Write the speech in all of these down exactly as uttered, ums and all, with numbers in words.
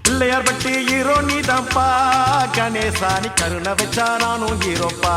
பிள்ளையார் பட்டி ஹீரோ நீதான்ப்பா, கணேசானி கருணை வச்சா நானும் ஹீரோப்பா.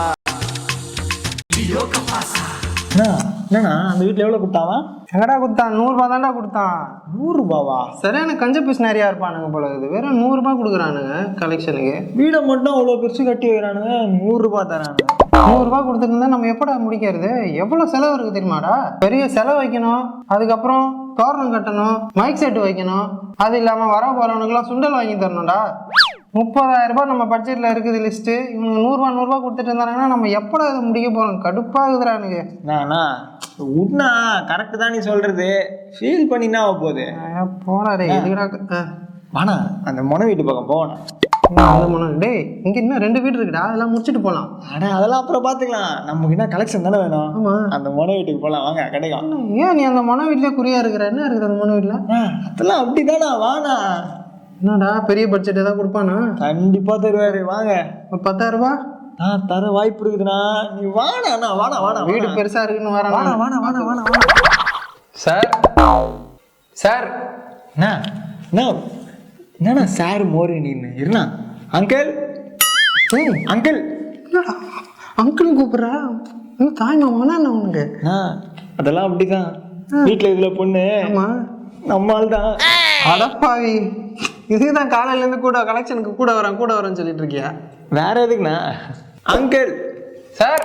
என்னண்ணா அந்த வீட்டில் எவ்வளோ கொடுத்தாவன்? எங்கடா கொடுத்தான்? நூறுரூபா தான்டா கொடுத்தான். நூறுரூபாவா? சரியான கஞ்ச பீஸ் நிறையா இருப்பானுங்க போல இருக்குது. வெறும் நூறுரூபா கொடுக்குறானுங்க கலெக்ஷனுக்கு. வீடை மட்டும் அவ்வளோ பெருசு கட்டி வைக்கிறானுங்க, நூறுரூபா தரானுங்க. நூறுரூபா கொடுத்துட்டு இருந்தா நம்ம எப்படா முடிக்கிறது? எவ்வளோ செலவு இருக்குது தெரியுமாடா? பெரிய செலவு வைக்கணும், அதுக்கப்புறம் தோரணம் கட்டணும், மைக் செட்டு வைக்கணும், அது இல்லாமல் வர போகிறவனுக்குலாம் சுண்டல் வாங்கி தரணும்டா. முப்பதாயிரம் ரூபாய் நம்ம பட்ஜெட்டில் இருக்குது லிஸ்ட்டு. இவனுக்கு நூறுரூவா நூறுரூவா கொடுத்துட்டு இருந்தாங்கன்னா நம்ம எப்படா அதை முடிக்க போகிறோம்? கடுப்பாகுதுறானுங்க. நானா உட்னா கரெக்டு தான் நீ சொல்கிறது. ஃபீல் பண்ணினா போகுது. போனாரே எதுக்குடா? வாணா அந்த மொன வீட்டு பக்கம் போவானா? டே இங்கே இன்னும் ரெண்டு வீடு இருக்குடா, அதெல்லாம் முடிச்சுட்டு போகலாம். ஆனால் அதெல்லாம் அப்புறம் பார்த்துக்கலாம். நமக்கு என்ன கலெக்ஷன் தானே வேணும். ஆமாம், அந்த மொன வீட்டுக்கு போகலாம் வாங்க, கிடைக்கும். ஏன் நீ அந்த மொன வீட்டிலே குறியா இருக்கிற? என்ன இருக்குது அந்த மொன வீட்டில்? அதெல்லாம் அப்படி தானா, வாணா. என்னடா பெரிய பட்ஜெட் ஏதாவது கொடுப்பானா? கண்டிப்பாக தருவாரு, வாங்க. ஒரு பத்தாயிரம் ரூபா ஆ தர வாய்ப்பு இருக்குதுண்ணா. நீ வாணா அண்ணா, வாணா வாணா. வீடு பெருசாக இருக்குன்னு வர. வாணா வாணா வாணா வாணா வாணா. சார் சார் அண்ணா என்ன என்னண்ணா சார் மோரு நீன்னு இருண்ணா. அங்கிள் அங்கிள் அங்கிள் கூப்பிட்றா? இன்னும் தாய் மாமானா என்ன உனக்கு? ஆ அதெல்லாம் அப்படிதான். வீட்டில் இதில் பொண்ணு நம்மால் தான். அடப்பாவி, இதுதான் காலையிலேருந்து கூட கலெக்ஷனுக்கு கூட வரேன் கூட வரேன்னு சொல்லிட்டு இருக்கியா? வேற எதுக்குண்ணா? அங்கிள் சார்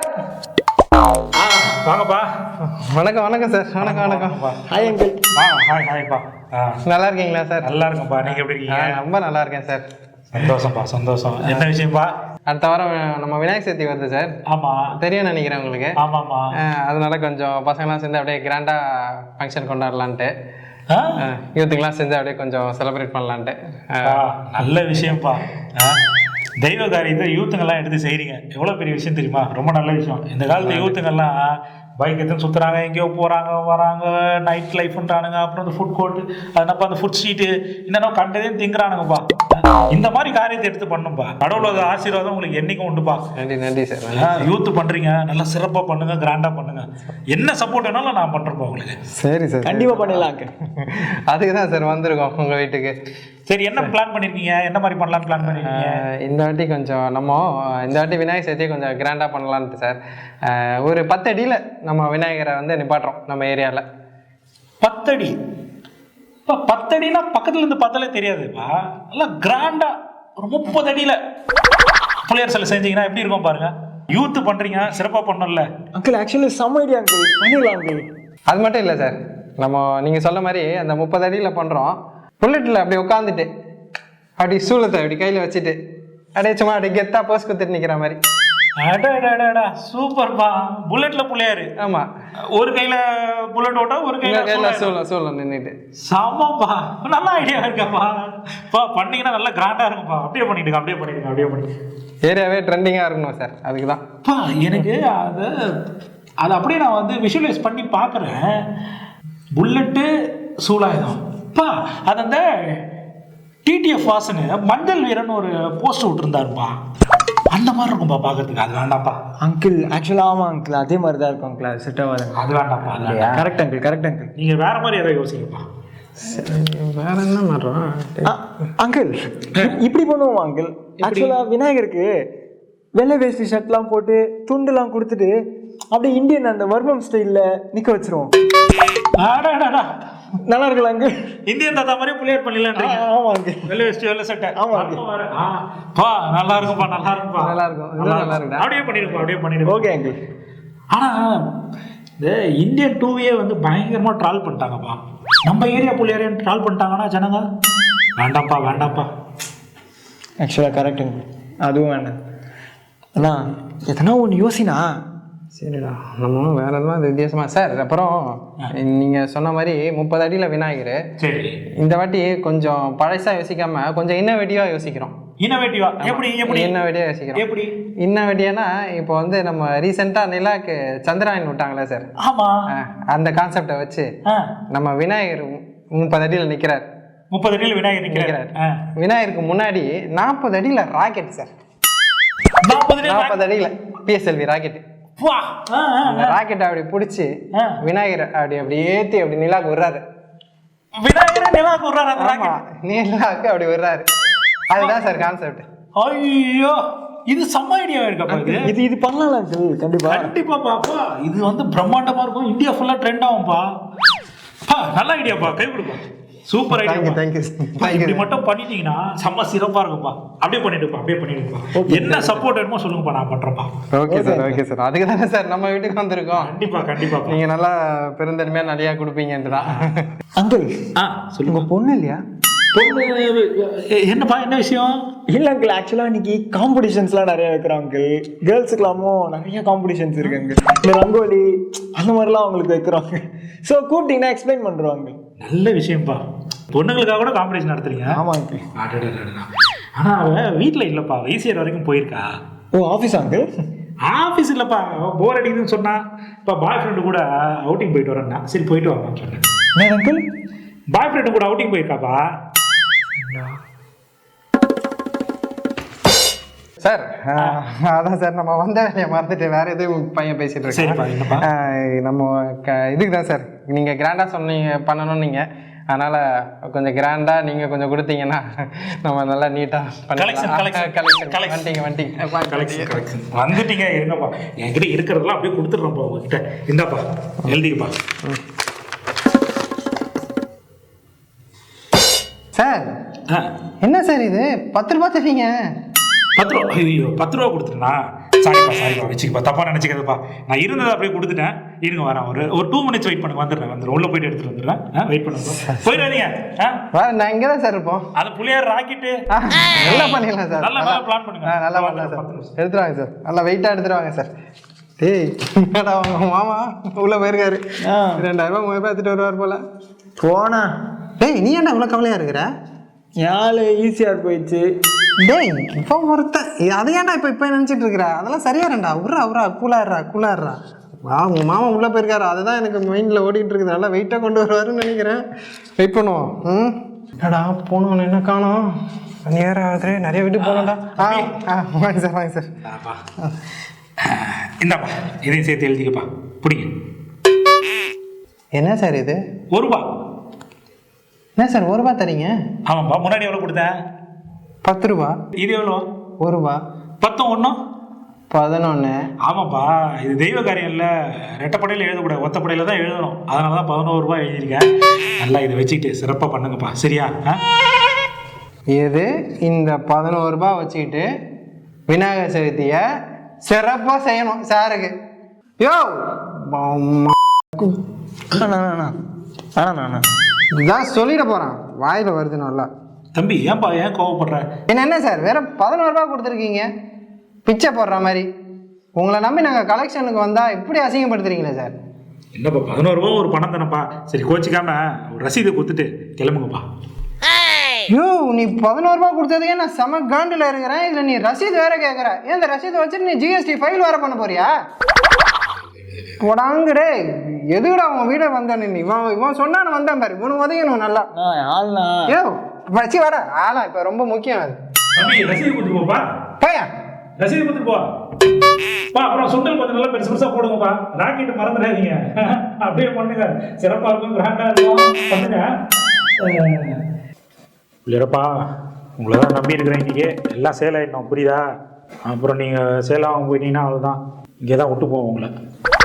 வாங்கப்பா. வணக்கம் வணக்கம் சார். வணக்கம் வணக்கம். Hi uncle. வா ஹாய் ஹாய்ப்பா. நல்லா இருக்கீங்களா சார்? நல்லா இருக்கும்ப்பா. நீங்கள் எப்படி இருக்கீங்க? ரொம்ப நல்லா இருக்கேன் சார். சந்தோஷம்ப்பா சந்தோஷம். என்ன விஷயம்ப்பா? அடுத்த வாரம் நம்ம விநாயகர் சதுர்த்தி வருது சார். ஆமாம் தெரியும் நினைக்கிறேன் உங்களுக்கு. ஆமாம்மா. அதனால கொஞ்சம் பசங்களாம் சேர்ந்து அப்படியே கிராண்டாக ஃபங்க்ஷன் கொண்டாடலான்ட்டு, ஆ யூத்துக்கெலாம் சேர்ந்து அப்படியே கொஞ்சம் செலிப்ரேட் பண்ணலான்ட்டு. நல்ல விஷயம்ப்பா. தெய்வ காரியத்தை யூத்துங்கெல்லாம் எடுத்து செய்கிறீங்க, எவ்வளோ பெரிய விஷயம் தெரியுமா? ரொம்ப நல்ல விஷயம். இந்த காலத்து யூத்துங்கெல்லாம் பைக் எடுத்து சுற்றுறாங்க, எங்கேயோ போகிறாங்க வராங்க, நைட் லைஃப்ன்றானுங்க, அப்புறம் அந்த ஃபுட் கோர்ட்டு, அதனப்பா அந்த ஃபுட் ஸ்ட்ரீட்டு, என்னென்ன கண்டதையும் திங்குறானுங்கப்பா. இந்த மாதிரி காரியத்தை எடுத்து பண்ணும்பா. கடவுளோட ஆசீர்வாதம் உங்களுக்கு என்னைக்கும் உண்டுப்பா. நன்றி நன்றி சார். யூத்து பண்ணுறீங்க, நல்லா சிறப்பாக பண்ணுங்க, கிராண்டாக பண்ணுங்க. என்ன சப்போர்ட் வேணாலும் நான் பண்ணுறேன்ப்பா உங்களுக்கு. சரி சார், கண்டிப்பாக பண்ணிடலாம். அதுக்கு தான் சார் வந்திருக்கோம் உங்கள் வீட்டுக்கு. சரி, என்ன பிளான் பண்ணியிருக்கீங்க? என்ன மாதிரி பண்ணலான்னு பிளான் பண்ணியிருக்கீங்க? இந்த வாட்டி கொஞ்சம் நம்ம இந்த வாட்டி விநாயகர் சதுர்த்தியை கொஞ்சம் கிராண்டாக பண்ணலான்ட்டு சார். ஒரு பத்து அடியில் நம்ம விநாயகரை வந்து நிப்பாட்டுறோம் நம்ம ஏரியாவில். பத்தடி? இப்போ பத்தடினா பக்கத்துல இருந்து பார்த்தாலே தெரியாதுப்பா. நல்லா கிராண்டா ஒரு முப்பது அடியில் பிள்ளையார் சிலை செஞ்சீங்கன்னா எப்படி இருக்கும் பாருங்க. யூத்து பண்ணுறீங்க, சிறப்பாக பண்ணல அங்கிள். ஆக்சுவலி செம்ம ஐடியா அங்கிள், பண்ணிடலாம் அங்கிள். அது மட்டும் இல்லை சார், நம்ம நீங்கள் சொல்ல மாதிரி அந்த முப்பது அடியில் பண்ணுறோம். புல்லட்டில் அப்படி உட்காந்துட்டு அப்படி சூளத்தை அப்படி கையில் வச்சுட்டு அப்படியே சும்மா அப்படியே கெத்தா போஸ் குத்துட்டு நிற்கிற மாதிரி. அடடா சூப்பர்ப்பா. புல்லட்ல புள்ளையாரு. ஆமா, ஒரு கையில புல்லட் ஓட்டா, ஒரு கையில கையில சூளம் சூளம் நின்றுட்டு. சாமாப்பா, நல்ல ஐடியா இருக்கப்பா. பா பண்ணீங்கன்னா நல்லா கிராண்டா இருக்கும்ப்பா. அப்படியே பண்ணிடுங்க, அப்படியே பண்ணிடுங்க, அப்படியே பண்ணிடுங்க. ஏரியாவே ட்ரெண்டிங்காக இருக்கணும் சார், அதுக்கு தான். பா எனக்கு அது அது அப்படியே நான் வந்து விஷுவலைஸ் பண்ணி பார்க்குறேன். புல்லட்டு சூலாயுதம் பா. அது அந்த டிடிஎஃப் வாசனு மஞ்சள் வீரன் ஒரு போஸ்டர் விட்டுருந்தாருப்பா, அந்த மாதிரி இருக்கும்பா பார்க்கறதுக்கு. அது வேண்டாம்ப்பா அங்கிள். ஆக்சுவலாக ஆமாம் அங்கிள், அதே மாதிரி தான் இருக்கும் அங்கிள். அது செட் ஆகாது. அது வேண்டாம்ப்பா. Correct uncle, correct uncle. நீங்கள் வேற மாதிரி ஏதாவது யோசிங்கப்பா. வேற என்ன மாட்டோம் அங்கிள்? இப்படி பண்ணுவோம் அங்கிள். ஆக்சுவலாக விநாயகருக்கு வெள்ளை வேஷ்டி ஷர்ட்லாம் போட்டு துண்டுலாம் கொடுத்துட்டு அப்படியே இந்தியன் அந்த வர்மம் ஸ்டைலில் நிற்க வச்சிருவோம். நல்லா இருக்குல்ல அங்கிள்? இந்தியன் தாத்தா மாதிரி பிள்ளையார் பண்ணிடலான்றீங்க? ஆமாம் அங்கிள். வெள்ளை வேஷ்டி வெள்ளை சட்டை. ஆமாம் பா, நல்லா இருக்கும்பா, நல்லா இருக்கும்பா, நல்லா இருக்கும், நல்லா இருக்கும். அப்படியே பண்ணிடுப்பா, அப்படியே பண்ணிடுங்க. Okay uncle. ஆனால் இந்த இந்தியன் டூவியே வந்து பயங்கரமாக ட்ரால் பண்ணிட்டாங்கப்பா. நம்ம ஏரியா பிள்ளையாரையும் ட்ரால் பண்ணிட்டாங்கன்னா ஜனங்க வேண்டாம்ப்பா வேண்டாம்ப்பா. ஆக்சுவலாக கரெக்டுங்க, அதுவும் வேண்டாம். அண்ணா எதனா ஒன்று யோசினா. சரிடா, நம்ம வேற எதுவும் அது வித்தியாசமா சார். அப்புறம் நீங்கள் சொன்ன மாதிரி முப்பது அடியில் விநாயகர். சரி, இந்த வாட்டி கொஞ்சம் பழசாக யோசிக்காம கொஞ்சம் இன்னோவேட்டிவாக யோசிக்கிறோம். இன்னோவேட்டிவா? எப்படி எப்படி இன்னோவேட்டிவாக யோசிக்கிறோம்? எப்படி இன்னோவேட்டிவ்னா இப்போ வந்து நம்ம ரீசெண்டாக நிலாக்கு சந்திராயன் விட்டாங்களே சார். ஆமாம், அந்த கான்செப்டை வச்சு நம்ம விநாயகர் முப்பது அடியில் நிற்கிறார். முப்பது அடியில் விநாயகர் நிற்கிறார். விநாயகருக்கு முன்னாடி நாற்பது அடியில் ராக்கெட் சார். நாற்பது நாற்பது அடியில் பிஎஸ்எல்வி ராக்கெட். அந்த ராக்கெட் அப்படி பிடிச்சி விநாயகர் அப்படி அப்படி ஏற்றி அப்படி நிலாக்கு விடுறாரு. விநாயகரை நிலாவுக்கு விடுறாரு அந்த ஆமா ராக்கெட். நீலாக்கு அப்படி விடுறாரு. அதுதான் சார் கான்செப்ட். ஐயோ இது செம்ம ஐடியாவா இருக்கப்பா இது. இது இது பண்ணலாம் அங்கிள் கண்டிப்பா. கண்டிப்பா பாப்பா இது வந்து பிரம்மாண்டமா இருக்கும். இந்தியா ஃபுல்லா ட்ரெண்ட் ஆகும்பா. பா நல்ல ஐடியாப்பா, கை கொடுப்பா. Super idea. தேங்க்யூ தேங்க்யூ இப்படி தேங்க்யூ. மட்டும் பண்ணிட்டீங்கன்னா செம்ம சிறப்பா இருக்கும்பா. அப்படியே பண்ணிட்டுப்பா, அப்படியே பண்ணிடுப்பா. என்ன சப்போர்ட் வேணுமோ சொல்லுங்கப்பா, நான் பண்றேன்ப்பா. Okay sir okay sir. அதுக்கு தானே சார் நம்ம வீட்டுக்கு வந்திருக்கோம். கண்டிப்பா கண்டிப்பா. நீங்க நல்லா பெருந்தன்மையா நிறைய கொடுப்பீங்கன்ட்டு தான். அங்கிள் ஆ சொல்லுங்க. உங்க பொண்ணு இல்லையா? பொண்ணு எ- என்னப்பா என்ன விஷயம்? இல்ல அங்கிள், ஆக்சுவலா இன்னைக்கு காம்படிஷன்ஸ்லாம் நிறைய வைக்கிறாங்க அங்கிள். கேர்ள்ஸுக்கெல்லாமும் நிறைய காம்படிஷன்ஸ் இருக்கு அங்கிள். இந்த ரங்கோலி அந்த மாதிரிலாம் அவங்களுக்கு வைக்கிறாங்க. ஸோ கூப்பிட்டீங்கன்னா எக்ஸ்பிளைன் பண்றாங்க. நல்ல விஷயம்ப்பா. பொண்ணுங்களுக்காக கூட காம்படிஷன் நடத்துறீங்க. ஆமா அங்கிள். அடடடடடா. ஆனா அவ வீட்டுல இல்லப்பா, ஈசிஆர் வரைக்கும் போயிருக்கா. ஓ ஆஃபீஸ் அங்கிள்? ஆஃபீஸ் இல்லப்பா, போர் அடிக்குதுன்னு சொன்னா. இப்போ பாய் ஃப்ரெண்டு கூட அவுட்டிங் போயிட்டு வரேன்னா, சரி போயிட்டு வரலாம்னு சொன்னேன். என்ன அங்கிள்? பாய் ஃப்ரெண்டு கூட அவுட்டிங் போயிருக்காப்பா. சார் அதான் சார் நம்ம வந்த வேலையை மறந்துட்டு வேற எதுவும் பையன் பேசிட்டு சரிப்பா, என்னப்பா? இருக்கேன். நம்ம க இதுக்கு தான் சார் நீங்கள் கிராண்டாக சொன்னீங்க பண்ணணும் நீங்கள். அதனால் கொஞ்சம் கிராண்டாக நீங்கள் கொஞ்சம் கொடுத்தீங்கன்னா நம்ம நல்லா நீட்டாக Collection, collection, கலெக்ஷன் collection. வந்துட்டீங்க வந்துட்டீங்க கலெக்ஷன் கலெக்ஷன் வந்துட்டீங்க. இருங்கப்பா, என்கிட்ட இருக்கிறதெல்லாம் அப்படியே கொடுத்துட்றேன்ப்பா உங்ககிட்ட. இந்தாப்பா எழுதிக்கப்பா. சார் ஆ என்ன சார் இது பத்து ரூபா தரீங்க? பத்து ரூபா. ஐயோ பத்து ரூபா கொடுத்துட்டேனா? சாரிப்பா சாரிப்பா, வச்சுக்கப்பா, தப்பா நினச்சிக்கிறதுப்பா. நான் இருந்ததை அப்படியே கொடுத்துட்டேன். இருங்க வரேன், ஒரு ஒரு டூ மினிட்ஸ் வெயிட் பண்ணுங்க, வந்துடுறேன் வந்துடுறேன். உள்ள போயிட்டு எடுத்துட்டு வந்துடுறேன். ஆ வெயிட் பண்ணுங்க, போயிடாதீங்க. ஆ வா நான் இங்கே தான் சார் இருப்போம். அது புளியார் ராக்கெட்டு ஆ, நல்லா பண்ணிடலாம் சார். நல்லா நல்லா பிளான் பண்ணுங்க. ஆ நல்லா பண்ணலாம் சார். எடுத்துருவாங்க சார், நல்லா வெயிட்டாக எடுத்துருவாங்க சார். டேய் என்னடா உங்க மாமா உள்ள போயிருக்காரு. ஆ. ரெண்டாயிரம் ரூபாய் மூவாயிரம் ரூபாய் எடுத்துட்டு வருவார் போல. போனா டேய் நீ ஏன்டா இவ்வளோ கவலையாக இருக்கிற? யாழ் ஈஸியாக போயிடுச்சு. டேய் இப்போ ஒருத்த அதை ஏன்டா இப்போ இப்போ நினச்சிட்டு இருக்கிற? அதெல்லாம் சரியாரண்டா. உர்றா உர்றா கூலாடுறா கூலாடுறா. வா உங்கள் மாமா உள்ளே போயிருக்காரு, அதுதான் எனக்கு மைண்டில் ஓடிட்டு இருக்குது. நல்லா வெயிட்டாக கொண்டு வருவாருன்னு நினைக்கிறேன். வெயிட் பண்ணுவோம். ம் என்னடா போனோம் என்ன காணோம்? நேரம் ஆகுது, நிறைய வீட்டுக்கு போனோம்டா. ஆ ஆ வாங்க சார் வாங்க சார். ஆப்பா. இந்தாப்பா இதையும் சேர்த்து எழுதிக்கப்பா, பிடிங்க. என்ன சார் இது? ஒரு ரூபா. என்ன சார் ஒரு ரூபா தரீங்க? ஆமாப்பா, முன்னாடி எவ்வளோ கொடுத்தேன்? பத்து ரூபா. இது எவ்வளோ? ஒரு ரூபா. பத்தும் ஒன்றும் பதினொன்று. ஆமாப்பா, இது தெய்வ காரியம் இல்லை. ரெட்டப்படையில் எழுதக்கூடாது, ஒத்தப்படையில் தான் எழுதணும். அதனால தான் பதினோரு ரூபாய் எழுதியிருக்கேன். நல்லா இதை வச்சுக்கிட்டு சிறப்பாக பண்ணுங்கப்பா, சரியா? ஆ இது இந்த பதினோரு ரூபாய் வச்சுக்கிட்டு விநாயகர் சதுர்த்தியை சிறப்பாக செய்யணும் சாருக்கு. யோ இதான் சொல்லிட போகிறான், வாயில் வருது நல்லா. தம்பி ஏன்பா ஏன் கோவப்படுற? என்ன என்ன சார் வேற பதினோரு ரூபாய் கொடுத்துருக்கீங்க பிச்சை போடுற மாதிரி? உங்களை நம்பி நாங்கள் கலெக்ஷனுக்கு வந்தால் இப்படி அசிங்கப்படுத்துறீங்களே சார். என்னப்பா பதினோரு ரூபா ஒரு பணம் தானப்பா. சரி கோச்சிக்காம ஒரு ரசீதை கொடுத்துட்டு கிளம்புங்கப்பா. யோ நீ பதினோரு ரூபாய் கொடுத்ததுக்கே நான் செம காண்டில் இருக்கிறேன். இதில் நீ ரசீது வேற கேட்குற. ஏன் இந்த ரசீதை வச்சுட்டு நீ ஜிஎஸ்டி ஃபைல் வேற பண்ண போறியா? போடாங்கடே எதுக்குடா உன் வீட வந்தானு? நீ இவன் இவன் சொன்னான்னு வந்தான் பாரு, இவனு உதயணும் நல்லா. ஆள்னா யோ வச்சு வாடா ஆளா, இப்போ ரொம்ப முக்கியம் அது. தம்பி ரசீது கொடுத்துட்டு போப்பா. பையா ரசீது கொடுத்துட்டு போ பா. அப்புறம் சுண்டல் கொஞ்சம் நல்லா பெருசு பெருசா போடுங்கப்பா. ராக்கெட்டு மறந்துடாதீங்க. அப்படியே பண்ணுங்க, சிறப்பா இருக்கும், கிராண்டா இருக்கும், பண்ணுங்க. இல்லைப்பா, உங்களை தான் நம்பி இருக்கிறேன். இன்னைக்கு எல்லாம் சேல் ஆகிடணும், புரியுதா? அப்புறம் நீங்கள் சேலாக போயிட்டீங்கன்னா அவ்வளோதான், இங்கே தான் விட்டு போவோம் உங்களை.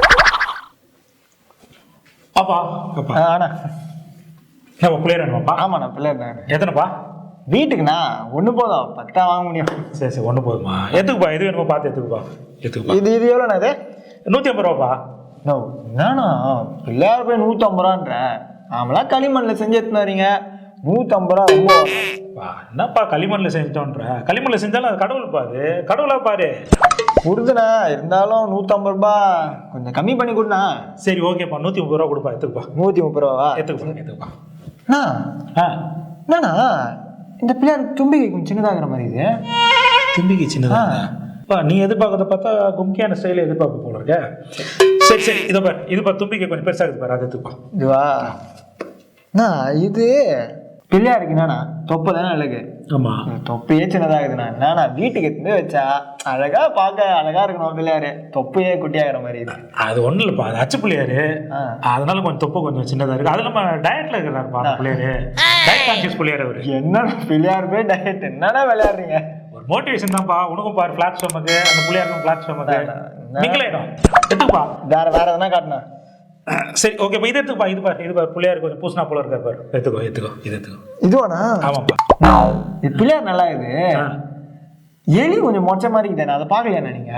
பாப்பா பாப்பா ஆனா நம்ம பிள்ளையர் வேணுமாப்பா? ஆமாண்ணா பிள்ளைண்ணா. எத்தனைப்பா? வீட்டுக்குண்ணா ஒன்று போதும், பத்தா வாங்க முடியும். சரி சரி ஒன்று போதுமா? எத்துக்குப்பா, எது வேணுமா பார்த்து எத்துக்குப்பா. எத்துக்குப்பா. இது இது எவ்வளோண்ணா இது? நூற்றி ஐம்பது ரூபாப்பா. நோ என்னண்ணா பிள்ளையார் போய் நூற்றம்பது ரூபான்ற? நாமளாம் களிமண்ணில் செஞ்சு எடுத்துன்னு வரீங்க, நூற்றம்பது ரூபா ரொம்ப. பா என்னப்பா களிமண்ணில் செஞ்சோன்ற? களிமண்ணில் செஞ்சாலும் அது கடவுள்ப்பா, அது கடவுளா பாரு. கொடுதுண்ணா, இருந்தாலும் நூற்றம்பது ரூபா கொஞ்சம் கம்மி பண்ணி கொடுண்ணா. சரி ஓகேப்பா, நூற்றி முப்பது ரூபா கொடுப்பா, எடுத்துக்குப்பா. நூற்றி முப்பது ரூபாவா? எடுத்துக்குப்பா எடுத்துக்குப்பா. அண்ணா ஆ என்னண்ணா இந்த பிள்ளையார் தும்பிக்கை கொஞ்சம் சின்னதாகிற மாதிரி இது. தும்பிக்கை சின்னதா? பா நீ எதிர்பார்க்கறத பார்த்தா கும்கியான ஸ்டைல எதிர்பார்க்க போல இருக்க. சரி சரி இதோ பாரு, இது பாரு தும்பிக்கை கொஞ்சம் பெருசாக இருக்கு பாரு, அதை எடுத்துப்பா. இதுவா அண்ணா? இது பிள்ளையாருக்கு என்னண்ணா தொப்பை தானே அழகு, ஆமாம். தொப்பையே சின்னதாகுதுண்ணா. என்னண்ணா வீட்டுக்கு எடுத்து வச்சா அழகா பார்க்க அழகா இருக்கணும் பிள்ளையாரு, தொப்பையே குட்டியாகிற மாதிரி இது. அது ஒன்றும் இல்லைப்பா, அது அச்சு பிள்ளையாரு, அதனால கொஞ்சம் தொப்பை கொஞ்சம் சின்னதாக இருக்குது. அது நம்ம டயட்டில் இருக்கிறாருப்பா பிள்ளையாரு, டயட் கான்சியஸ் பிள்ளையாரு அவர். என்னண்ணா பிள்ளையார் போய் டயட் என்னன்னா விளையாடுறீங்க? ஒரு மோட்டிவேஷன் தான்ப்பா. உனக்கும் பாரு ஃபிளாட் ஸ்டொமக்கு, அந்த பிள்ளையாருக்கும் ஃபிளாட் ஸ்டொமக்கு. நீங்களேடும் எடுத்துப்பா. வேற வேற எதனா காட்டுனா சரி ஓகே. இப்போ இது எடுத்துப்பா. இது பாரு, இது பாரு பிள்ளையார் கொஞ்சம் பூசினா போல இருக்காரு பாரு. எடுத்துக்கோ எடுத்துக்கோ இது எடுத்துக்கோ. இதுவாண்ணா? ஆமாப்பா. இது பிள்ளையார் நல்லா இது. எலி கொஞ்சம் மொச்ச மாதிரி இருக்குதானே, அதை பார்க்கலையாண்ணா நீங்க?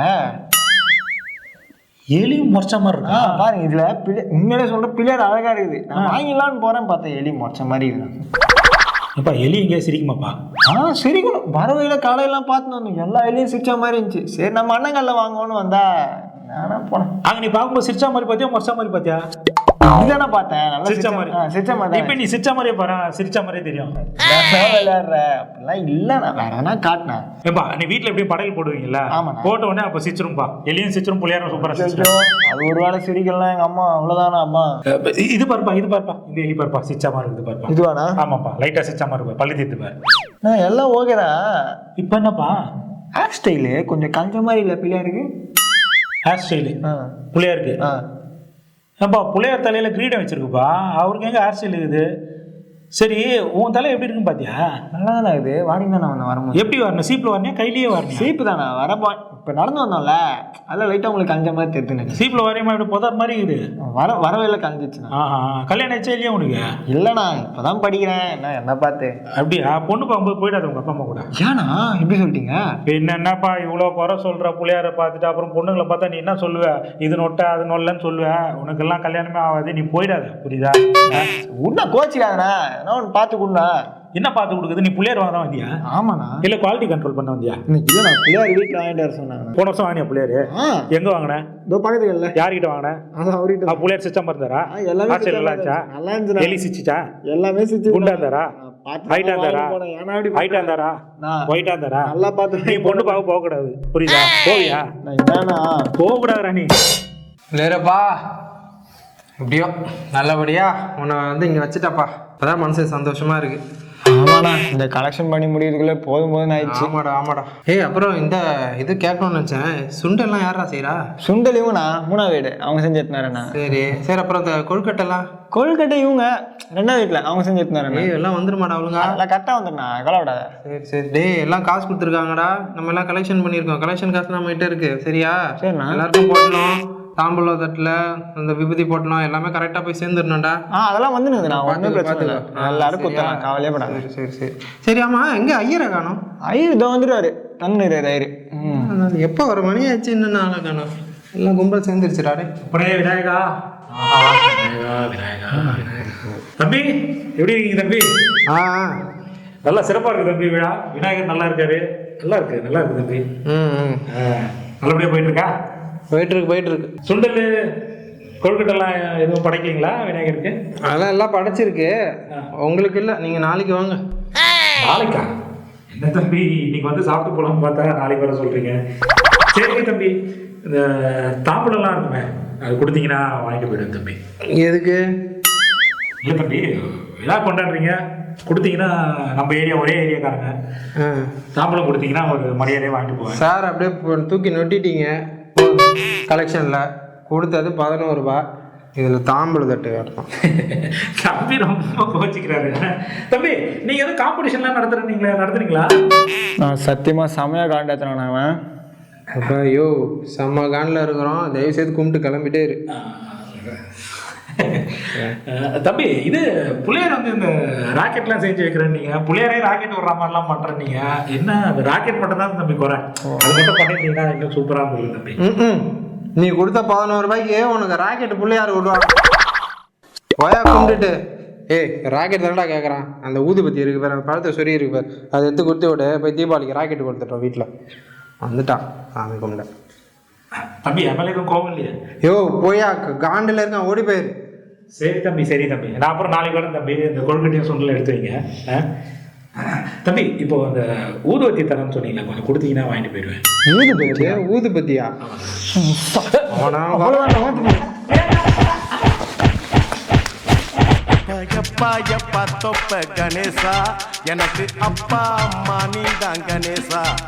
எலியும் மொச்ச மாதிரி இருக்கா பாருங்க. இதுல பிள்ளை உண்மையிலே சொல்ற பிள்ளையார் அழகா இருக்குது. நான் வாங்கிடலான்னு போறேன், பார்த்தேன் எலி மொச்ச மாதிரி இருக்குது. அப்பா எலி எங்கேயா சிரிக்குமாப்பா? ஆ சிரிக்கணும். வரவையில காலையெல்லாம் பார்த்துன்னு வந்தோம், எல்லா எலியும் சிரிச்ச மாதிரி இருந்துச்சு. சரி நம்ம அண்ணங்கல்ல வாங்குவோன்னு வந்தா நானா போனேன். அங்க நீ பார்க்கும்போது சிரிச்சா மாதிரி பார்த்தியா மொச்சா மாதிரி பார்த்தியா? இதுதானே பார்த்தேன், நல்லா சிரிச்ச மாதிரி. சிரிச்ச மாதிரி. இப்போ நீ சிரிச்ச மாதிரியே பாரு, சிரிச்ச மாதிரியே தெரியும். விளையாடுற அப்படிலாம் இல்லைண்ணா, வேற எதனா காட்டினேன். ஏப்பா நீ வீட்டில் எப்படியும் படையல் போடுவீங்களா? ஆமாண்ணா. போட்ட உடனே அப்போ சிரிச்சிரும்பா, எலியும் சிரிச்சிரும் பிள்ளையாரும் சூப்பராக சிரிச்சிரும். அது ஒரு வேளை சிரிக்கலாம் எங்க அம்மா, அவ்வளோதானா அம்மா? இது பாருப்பா, இது பாருப்பா, இந்த எலி பாருப்பா சிரிச்சா மாதிரி இருக்குது பாருப்பா. இதுவாண்ணா? ஆமாப்பா, லைட்டாக சிரிச்சா மாதிரி இருப்பா, பள்ளி தீர்த்து பாரு. நான் எல்லாம் ஓகேடா. இப்போ என்னப்பா ஹேர் ஸ்டைலு கொஞ்சம் கஞ்ச மாதிரி இல்லை பிள்ளையாருக்கு? ஹேர் ஸ்டைலு ஆ பிள்ளையாருக்கு? ஆ ஏப்பா பிள்ளையார் தலையில் கிரீடம் வச்சிருக்குப்பா, அவருக்கு எங்கே ஹேர் ஸ்டைல் இருக்குது? சரி உன் தலை எப்படி இருக்குன்னு பார்த்தியா? நல்லா தானே இது. வாடிங்க தானே வந்தேன் வரும்போது. எப்படி வரணும்? சீப்பில் வரணியா கையிலேயே வரணும்? சீப்பு தானே வரப்போ. இப்போ நடந்து வந்தோம்ல, அதெல்லாம் லைட்டாக உங்களுக்கு கஞ்ச மாதிரி தெரியுதுன்னு. சீப்பில் வரையுமா இப்படி புதார் மாதிரி இருக்குது? வர வரவே கஞ்சிச்சுண்ணா. ஆஹா, கல்யாணம் ஆச்சா இல்லையா உனக்கு? இல்லைண்ணா, இப்போ தான் படிக்கிறேன். என்ன என்ன பார்த்து? அப்படியா? பொண்ணு பார்க்கும்போது போயிடாது உங்கள் அப்பா அம்மா கூட? ஏண்ணா இப்படி சொல்லிட்டீங்க? பின்ன என்னப்பா இவ்வளோ குறை சொல்கிற பிள்ளையாரை பார்த்துட்டு அப்புறம் பொண்ணுங்களை பார்த்தா நீ என்ன சொல்லுவ? இது நொட்டை அது நொல்லன்னு சொல்லுவேன். உனக்கெல்லாம் கல்யாணமே ஆகாது, நீ போயிடாத. புரியுதா? உன்ன கோச்சிக்காதண்ணா, என்ன ஒன்று பார்த்து கொடுண்ணா. என்ன பார்த்து கொடுக்குது? நீ பிள்ளையார் வாங்க தான் வந்தியா? ஆமாண்ணா. இல்லை குவாலிட்டி கண்ட்ரோல் பண்ண வந்தியா? இன்னைக்கு இல்லை, நான் பிள்ளையார் வீட்டில் வாங்கிட்டு வர சொன்னாங்க. போன வருஷம் வாங்கினியா பிள்ளையார்? எங்கே வாங்கினேன்? இதோ பக்கத்துல இல்லை. யார்கிட்ட வாங்கினேன்? அதான் அவர்கிட்ட. பிள்ளையார் சிஸ்டம் இருந்தாரா? எல்லாமே நல்லா இருந்துச்சா? நல்லா இருந்துச்சு. எலி சிச்சிச்சா? எல்லாமே சிச்சு. குண்டா இருந்தாரா? ஹைட்டா இருந்தாரா? ஹைட்டா இருந்தாரா? ஒயிட்டா இருந்தாரா? நல்லா பார்த்து. நீ பொண்ணு பார்க்க போக கூடாது, புரியுதா? போவியா? போக கூடாதுடா நீ. இல்லைப்பா, எப்படியோ நல்லபடியா உன்னை வந்து இங்கே வச்சுட்டாப்பா. அப்பதான் மனசு சந்தோஷமா இருக்கு. ஆமாண்ணா, இந்த கலெக்ஷன் பண்ணி முடியறதுக்குள்ள போதும் போதும் ஆயிடுச்சு. ஆமாடா ஆமாடா. ஏய் அப்புறம் இந்த இது கேட்கணும்னு நினச்சேன், சுண்டெல்லாம் யாரா செய்யறா? சுண்டல் இவங்கண்ணா, மூணாவது வீடு அவங்க செஞ்சு எடுத்துனாரண்ணா. சரி சரி. அப்புறம் இந்த கொழுக்கட்டைலாம்? கொழுக்கட்டை இவங்க ரெண்டாவது வீட்டில் அவங்க செஞ்சு எடுத்துனாரண்ணா. ஏய் எல்லாம் வந்துருமாடா அவளுங்க? எல்லாம் கரெக்டாக வந்துடுண்ணா, கவலைப்படாத. சரி சரி. டேய் எல்லாம் காசு கொடுத்துருக்காங்கடா, நம்ம எல்லாம் கலெக்ஷன் பண்ணியிருக்கோம். கலெக்ஷன் காசு நம்ம கிட்ட இருக்கு, சரியா? சரிண்ணா. எல்லாருக்கும் போட்டணும், தாம்பூலம் தட்டில் அந்த விபூதி போட்டணும், எல்லாமே கரெக்டாக போய் சேர்ந்துடணும்டா. ஆ அதெல்லாம் வந்துடுங்க, நான் ஒன்றும் பிரச்சனை இல்லை. எல்லாரும் கொடுத்தலாம், கவலையே படாது. சரி சரி சரி. சரி ஆமாம், எங்கே ஐயரை காணும்? ஐயர் இதோ வந்துடுவாரு, தந்துடுறாரு ஐயர். ம் எப்போ வர மணி ஆச்சு, இன்னும் ஆளை காணும். எல்லாம் கும்பல் சேர்ந்துருச்சுடாடே. அப்படியே விநாயகா விநாயகா தம்பி, எப்படி இருக்கீங்க தம்பி? ஆ நல்லா சிறப்பாக இருக்கு தம்பி விழா. விநாயகர் நல்லா இருக்காரு, நல்லா இருக்கு நல்லா இருக்கு தம்பி. ம் ம் நல்லபடியாக போயிட்டு இருக்கா? போயிட்டு இருக்கு போயிட்டு இருக்கு. சுண்டல் கொழுக்கட்டெல்லாம் எதுவும் படைக்கீங்களா விநாயகருக்கு? அதெல்லாம் எல்லாம் படைச்சிருக்கு, உங்களுக்கு இல்லை. நீங்கள் நாளைக்கு வாங்க. நாளைக்கா? என்ன தம்பி இன்னைக்கு வந்து சாப்பிட்டு போகலாம்னு பார்த்தா நாளைக்கு வர சொல்கிறீங்க. சரி தம்பி, இந்த தாம்பூலம்லாம் இருக்குமே, அது கொடுத்தீங்கன்னா வாங்கிட்டு போயிடுவேன் தம்பி. எதுக்கு? இல்லை தம்பி, விழா கொண்டாடுறீங்க, கொடுத்தீங்கன்னா நம்ம ஏரியா ஒரே ஏரியாக்காரங்க, தாம்பூலம் கொடுத்தீங்கன்னா ஒரு மரியாதையே வாங்கிட்டு போவேன். சார் அப்படியே தூக்கி நொட்டிட்டீங்க கலெக்ஷனில். கொடுத்தது பதினோரு ரூபா, இதில் தாம்பூல தட்டு வேணும். தம்பி ரொம்ப கோச்சிக்கிறாரு. தம்பி நீங்கள் எதுவும் காம்படிஷன்லாம் நடத்துறீங்களா நடத்துறீங்களா? நான் சத்தியமாக செமையாக காண்டாத்துறேன் அவன். அப்போ ஐயோ செம்ம காண்டில் இருக்கிறோம், தயவுசெய்து கும்பிட்டு கிளம்பிட்டே இரு. தம்பி இது புள்ளையார் வந்து இந்த ராக்கெட்லாம் செஞ்சு வைக்கிறேன், நீங்கள் புள்ளையாரே ராக்கெட் விடுற மாதிரிலாம் பண்ணுறேன். நீங்கள் என்ன அந்த ராக்கெட் மட்டும் தான் தம்பி குறை, அது மட்டும் பண்ணிட்டீங்கன்னா இன்னும் சூப்பராக இருந்தது தம்பி. ம் நீ கொடுத்த பதினோரு ரூபாய்க்கு உனக்கு ராக்கெட் பிள்ளையார் விடுவாங்க. போயா கும்பிட்டுட்டு. ஏய் ராக்கெட் தானடா கேட்குறான், அந்த ஊதுபத்தி இருக்கு பாரு, அந்த பழத்தை சொறி இருக்கு பாரு, அதை எடுத்து கொடுத்து விட போய் தீபாவளிக்கு ராக்கெட் கொடுத்துட்டோம் வீட்டில். வந்துட்டான் சாமி கும்பிட. தம்பி எம்எல்ஏ எதுவும் கோவம் இல்லையா? யோ போயா காண்டில் இருக்கான், ஓடி போயிரு. சரி தம்பி சரி தம்பி, நான் அப்புறம் நாளைக்கு வரேன் தம்பி. இந்த கொழுக்கட்டையும் சுண்டல் எடுத்து வைங்க. தம்பி இப்போ அந்த ஊதுபத்தி தரேன்னு சொன்னீங்களா, கொஞ்சம் கொடுத்தீங்கன்னா வாங்கிட்டு போயிடுவேன். ஊதுபத்தியா? ஊதுபத்தியா? அவ்வளோதான். எப்பா எப்பா தொப்ப கணேசா எனக்கு அப்பா அம்மா நீதான் கணேசா